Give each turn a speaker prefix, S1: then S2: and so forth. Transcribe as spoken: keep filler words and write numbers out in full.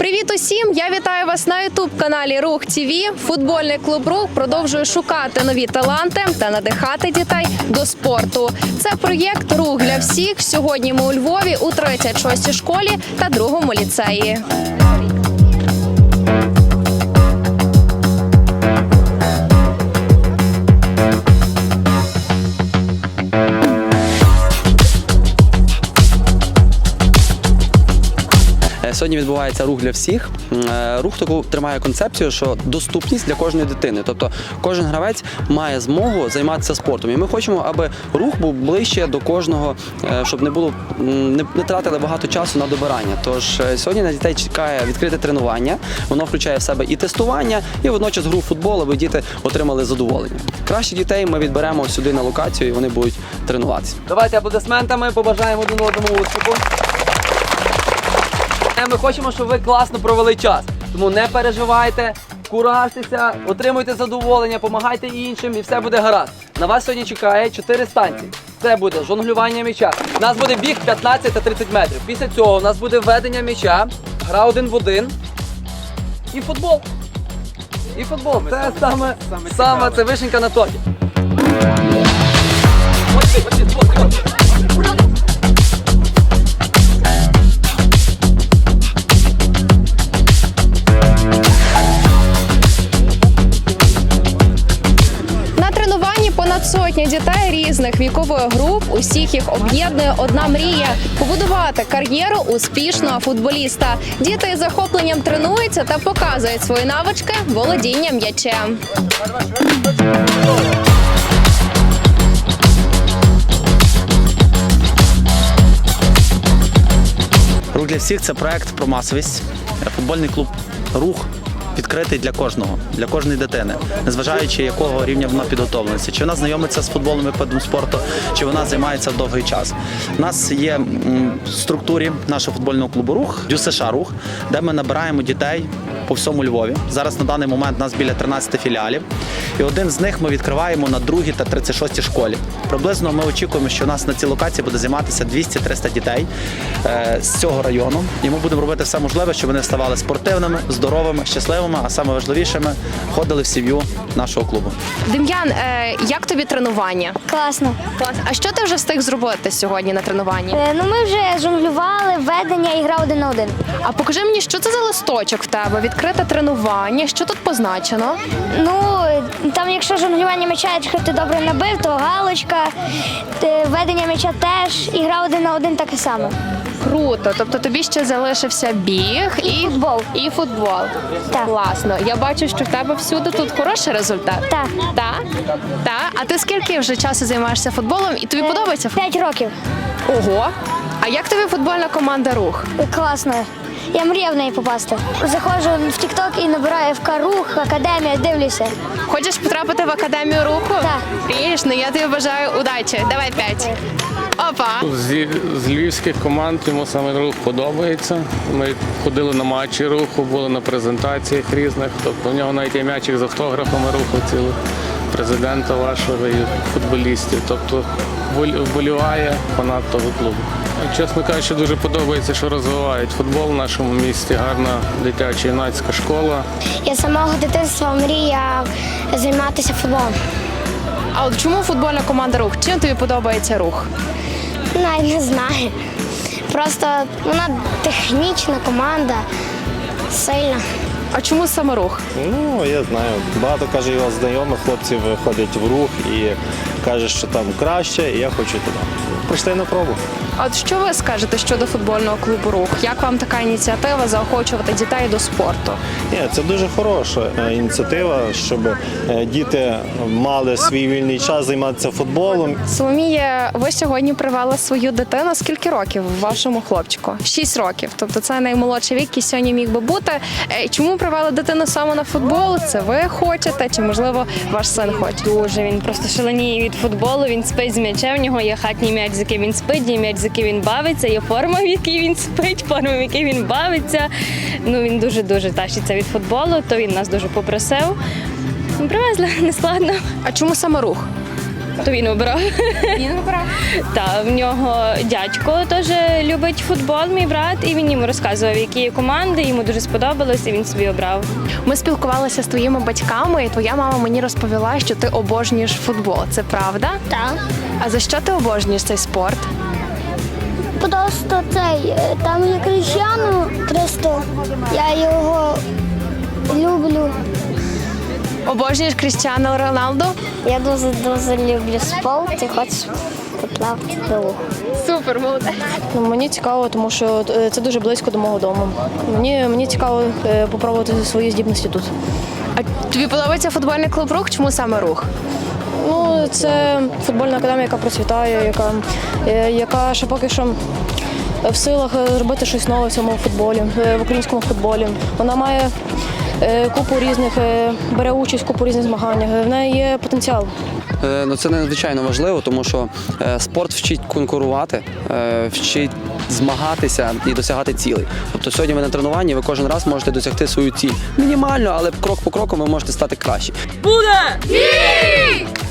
S1: Привіт усім! Я вітаю вас на ютуб-каналі Рух ТВ. Футбольний клуб «Рух» продовжує шукати нові таланти та надихати дітей до спорту. Це проєкт «Рух для всіх». Сьогодні ми у Львові у тридцять шостій школі та другому ліцеї.
S2: Сьогодні відбувається рух для всіх. Рух таку тримає концепцію, що доступність для кожної дитини. Тобто кожен гравець має змогу займатися спортом. І ми хочемо, аби рух був ближче до кожного, щоб не було, не, не тратили багато часу на добирання. Тож сьогодні на дітей чекає відкрите тренування. Воно включає в себе і тестування, і водночас гру в футбол, аби діти отримали задоволення. Кращих дітей ми відберемо сюди на локацію і вони будуть тренуватися.
S3: Давайте аплодисментами побажаємо один одному успіху. Ми хочемо, щоб ви класно провели час. Тому не переживайте, куражтеся, отримуйте задоволення, допомагайте іншим і все буде гаразд. На вас сьогодні чекає чотири станції. Це буде жонглювання м'яча. У нас буде біг п'ятнадцять та тридцять метрів. Після цього у нас буде введення м'яча, гра один в один і футбол. І футбол. Це саме, саме це вишенька на торті.
S1: Понад сотня дітей різних вікових груп, усіх їх об'єднує одна мрія – побудувати кар'єру успішного футболіста. Діти із захопленням тренуються та показують свої навички володіння м'ячем.
S4: Рух для всіх – це проект про масовість. Футбольний клуб «Рух» відкритий для кожного, для кожної дитини, незважаючи якого рівня вона підготовленості. Чи вона знайомиться з футболом як видом спорту, чи вона займається довгий час. У нас є в структурі нашого футбольного клубу «Рух» ДЮСШ «Рух», де ми набираємо дітей по всьому Львові. Зараз на даний момент у нас біля тринадцяти філіалів. І один з них ми відкриваємо на другій та тридцять шостій школі. Приблизно ми очікуємо, що у нас на цій локації буде займатися двісті-триста дітей е, з цього району. І ми будемо робити все можливе, щоб вони ставали спортивними, здоровими, щасливими, а саме важливішими – ходили в сім'ю нашого клубу.
S1: Дем'ян, е, як тобі тренування?
S5: Класно.
S1: Клас. А що ти вже встиг зробити сьогодні на тренуванні?
S5: Е, ну ми вже жонглювали, ведення і гра один на один.
S1: А покажи мені, що це за листочок в тебе? Відкрите тренування, що тут позначено?
S5: Ну, там якщо жонглювання м'яча, якщо ти добре набив, то галочка, е, ведення м'яча теж, і гра один на один таке саме.
S1: Круто, тобто тобі ще залишився біг і,
S5: І футбол.
S1: І футбол.
S5: Так.
S1: Класно. Я бачу, що в тебе всюди тут хороший результат.
S5: Так.
S1: Так? Так? А ти скільки вже часу займаєшся футболом і тобі подобається футбол?
S5: П'ять років.
S1: Ого! А як тобі футбольна команда «Рух»?
S5: Класно. Я мріяв в неї попасти. Заходжу в тік-ток і набираю ФК «Рух», академія, дивлюся.
S1: Хочеш потрапити в академію «Руху»?
S5: Так.
S1: Ріж, ну я тобі бажаю удачі. Давай п'ять. Опа!
S6: З, з львівських команд йому саме «Рух» подобається. Ми ходили на матчі «Руху», були на презентаціях різних. Тобто в нього навіть є м'ячик з автографами «Руху» цілих, президента вашого і футболістів. Тобто вболіває фанат того клубу. Чесно кажучи, дуже подобається, що розвивають футбол в нашому місті. Гарна дитяча юнацька школа.
S5: Я з самого дитинства мріяв займатися футболом.
S1: А от чому футбольна команда «Рух»? Чим тобі подобається «Рух»?
S5: Навіть не знаю. Просто вона технічна команда, сильна.
S1: А чому саме «Рух»?
S7: Ну, я знаю. Багато, каже, його знайомих хлопців ходять в «Рух» і каже, що там краще, і я хочу туди. Прийшли на пробу.
S1: А от що ви скажете щодо футбольного клубу «Рух»? Як вам така ініціатива заохочувати дітей до спорту?
S7: Ні, це дуже хороша ініціатива, щоб діти мали свій вільний час займатися футболом.
S1: Соломія, ви сьогодні привели свою дитину. Скільки років вашому хлопчику? Шість років. Тобто це наймолодший вік, який сьогодні міг би бути. Чому привели дитину саме на футбол? Це ви хочете? Чи, можливо, ваш син хоче?
S8: Дуже. Він просто шаленіє від футболу, він спить з м'ячем, в нього є хатній м'яч, з яким він спить, є м'яч, з яким він бавиться, є форма, в якій він спить, форма, в якій він бавиться. Ну, він дуже-дуже тащиться від футболу, то він нас дуже попросив. Ми привезли, не складно.
S1: А чому саме «Рух»?
S8: То він обрав.
S1: Він вибрав.
S8: Та в нього дядько теж любить футбол, мій брат, і він йому розказував, які є команди, йому дуже сподобалось, і він собі обрав.
S1: Ми спілкувалися з твоїми батьками, і твоя мама мені розповіла, що ти обожнюєш футбол. Це правда?
S5: Так.
S1: А за що ти обожнюєш цей спорт?
S5: Просто цей, е, там є Кріштіану Христо, я його люблю.
S1: Обожнюєш Кріштіану Роналду?
S5: Я дуже-дуже люблю спорт і хочу поплавати до лугу.
S1: Супер, молодець.
S9: Ну, мені цікаво, тому що е, це дуже близько до мого дому. Мені, мені цікаво е, попробувати свої здібності тут.
S1: А тобі подобається футбольний клуб «Рух»? Чому саме «Рух»?
S9: Ну, це футбольна академія, яка процвітає, яка, е, яка ще поки що в силах е, зробити щось нове в цьому футболі, е, в українському футболі. Вона має е, купу різних, е, бере участь в купу різних змаганнях. В неї є потенціал.
S2: Е, Ну, це надзвичайно важливо, тому що е, спорт вчить конкурувати, е, вчить змагатися і досягати цілей. Тобто сьогодні ви на тренуванні, ви кожен раз можете досягти свою ціль. Мінімально, але крок по кроку ви можете стати краще.
S3: Буде!